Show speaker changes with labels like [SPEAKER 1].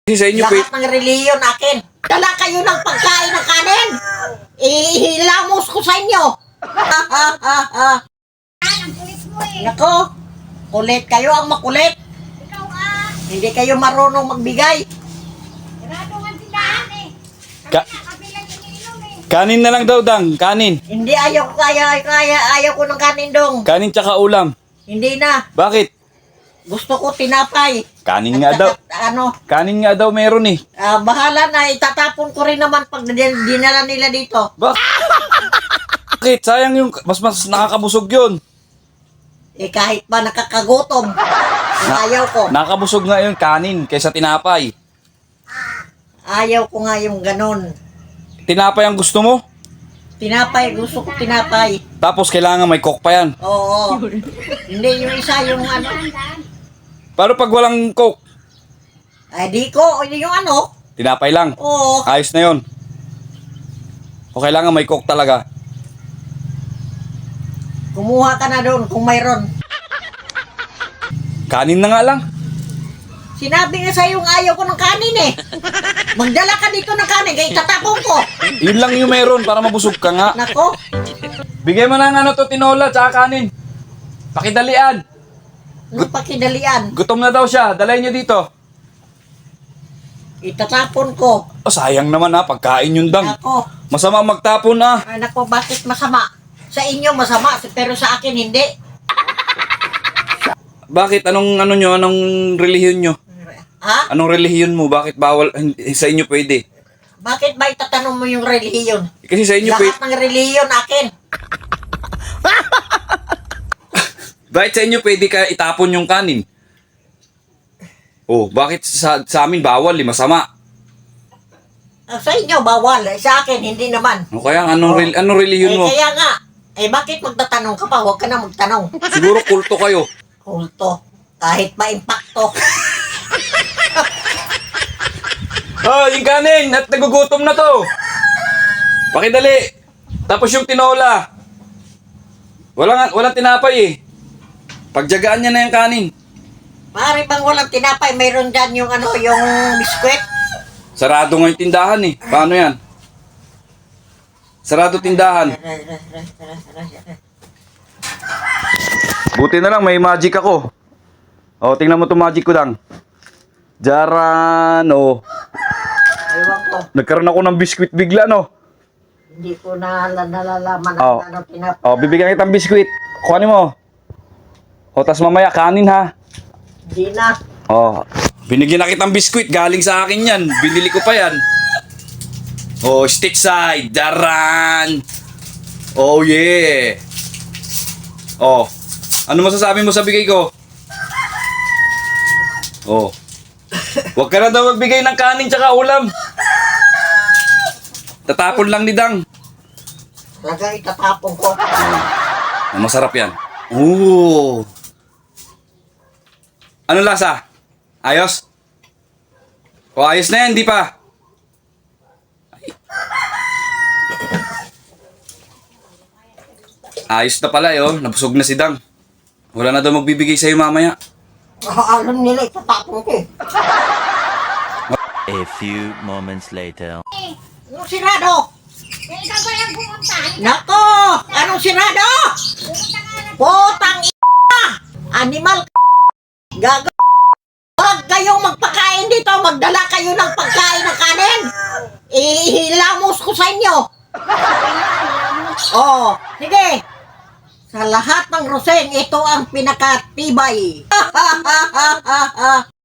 [SPEAKER 1] Kasi sa inyo,
[SPEAKER 2] Lahat ng reliyon akin. Dala kayo ng pagkain ng kanin. Ihilamos ko sa inyo.
[SPEAKER 3] Ang kulit mo eh.
[SPEAKER 2] Nako, kulit kayo ang makulit.
[SPEAKER 3] Ikaw
[SPEAKER 2] Hindi kayo marunong magbigay.
[SPEAKER 3] sarado ang tindahan eh.
[SPEAKER 1] Ka-
[SPEAKER 3] Kabilang iniinom eh.
[SPEAKER 1] kanin na lang daw, Dang. Kanin.
[SPEAKER 2] Hindi ayaw ko ayaw ko ng kanin dong.
[SPEAKER 1] Kanin tsaka ulam.
[SPEAKER 2] Hindi na.
[SPEAKER 1] Bakit?
[SPEAKER 2] Gusto ko tinapay.
[SPEAKER 1] Kanin nga daw.
[SPEAKER 2] Ano,
[SPEAKER 1] Kanin nga daw meron eh.
[SPEAKER 2] bahala na, itatapon ko rin naman pag dinala nila dito.
[SPEAKER 1] Bakit? Sayang yung, mas nakakabusog yun.
[SPEAKER 2] Kahit ba nakakagutom, ayaw ko.
[SPEAKER 1] Nakakabusog nga yung kanin kaysa tinapay.
[SPEAKER 2] Ayaw ko nga yung ganun.
[SPEAKER 1] Tinapay ang gusto mo?
[SPEAKER 2] Tinapay, gusto ko tinapay.
[SPEAKER 1] Tapos kailangan may coke pa yan.
[SPEAKER 2] Oo. Hindi, yung isa yung ano.
[SPEAKER 1] Paano pag walang coke?
[SPEAKER 2] Ay, di ko, yung ano.
[SPEAKER 1] Tinapay lang.
[SPEAKER 2] Oo.
[SPEAKER 1] Ayos na yun. O kailangan may coke talaga.
[SPEAKER 2] Kumuha ka na doon kung mayroon.
[SPEAKER 1] Kanin na nga lang.
[SPEAKER 2] Sinabi nga sa'yo ayaw ko ng kanin eh. Magdala ka dito ng kanin, kaya itatapon ko.
[SPEAKER 1] Yun lang yung meron para mabusog ka nga.
[SPEAKER 2] Nako,
[SPEAKER 1] Bigay mo na ng ano to, tinola, tsaka kanin. Pakidalian.
[SPEAKER 2] nung pakidalian,
[SPEAKER 1] Gutom na daw siya. Dalay niyo dito.
[SPEAKER 2] itatapon ko.
[SPEAKER 1] Oh, sayang naman ha, pagkain yun, Dang.
[SPEAKER 2] Nako,
[SPEAKER 1] Masama magtapon ah.
[SPEAKER 2] ay nako, bakit masama? Sa inyo masama, pero sa akin hindi.
[SPEAKER 1] Bakit? Anong relihiyon nyo?
[SPEAKER 2] Ha?
[SPEAKER 1] Anong relihiyon mo? Bakit bawal? Sa inyo pwede.
[SPEAKER 2] Bakit ba itatanong mo yung relihiyon?
[SPEAKER 1] Kasi sa inyo pwede.
[SPEAKER 2] Lahat ng relihiyon akin.
[SPEAKER 1] Bakit sa inyo pwede ka itapon yung kanin? Oh, bakit sa amin bawal, masama?
[SPEAKER 2] Sa inyo bawal, sa akin hindi naman.
[SPEAKER 1] O kaya anong relihiyon mo?
[SPEAKER 2] Kaya nga, bakit magtatanong ka pa? Huwag ka na magtanong.
[SPEAKER 1] Siguro kulto kayo.
[SPEAKER 2] Kulto. Kahit ma-impacto.
[SPEAKER 1] Oh, yung kanin! At nagugutom na to! Pakidali! Tapos yung tinola. Walang tinapay eh. Pagjagaan niya na yung kanin.
[SPEAKER 2] Pare bang walang tinapay, mayroon dyan yung ano, yung biskwit.
[SPEAKER 1] Sarado nga yung tindahan eh. Paano yan? Sarado tindahan. Buti na lang, may magic ako. O, tingnan mo itong magic ko lang. Jaran, o.
[SPEAKER 2] Ewan ko,
[SPEAKER 1] Nagkaroon ako ng biskwit bigla, no?
[SPEAKER 2] hindi ko nalalaman
[SPEAKER 1] Oh.
[SPEAKER 2] ang ano tinapay.
[SPEAKER 1] O, bibigyan kitang biskwit. Kuhanin mo. O, tas mamaya, kanin ha.
[SPEAKER 2] Hindi na.
[SPEAKER 1] O, binigyan na kitang biskwit. Galing sa akin yan. Binili ko pa yan. O, stick side. Jaran. Oh, yeah. O, ano masasabi mo sa bigay ko? O. Huwag ka na daw magbigay ng kanin tsaka ulam. Tatapon lang ni Dang.
[SPEAKER 2] Talaga itatapon ko.
[SPEAKER 1] Masarap yan. Ooh. Ano lasa? Ayos? O ayos na yan, di pa? Ayos na pala yun. Nabusog na si Dang. Wala na daw magbibigay sa'yo mamaya.
[SPEAKER 2] Alam nila, itatapon ko eh.
[SPEAKER 4] A few moments later.
[SPEAKER 2] Anong sirado?
[SPEAKER 3] Ikaw ba yung pumunta?
[SPEAKER 2] Nako! Anong sirado?
[SPEAKER 3] Pumunta ka na.
[SPEAKER 2] Potang animal gago. Huwag kayong magpakain dito. Magdala kayo ng pagkain ng kanin. Ihilamos ko sa inyo. Oh, sige. Sa lahat ng roseng, ito ang pinakatibay.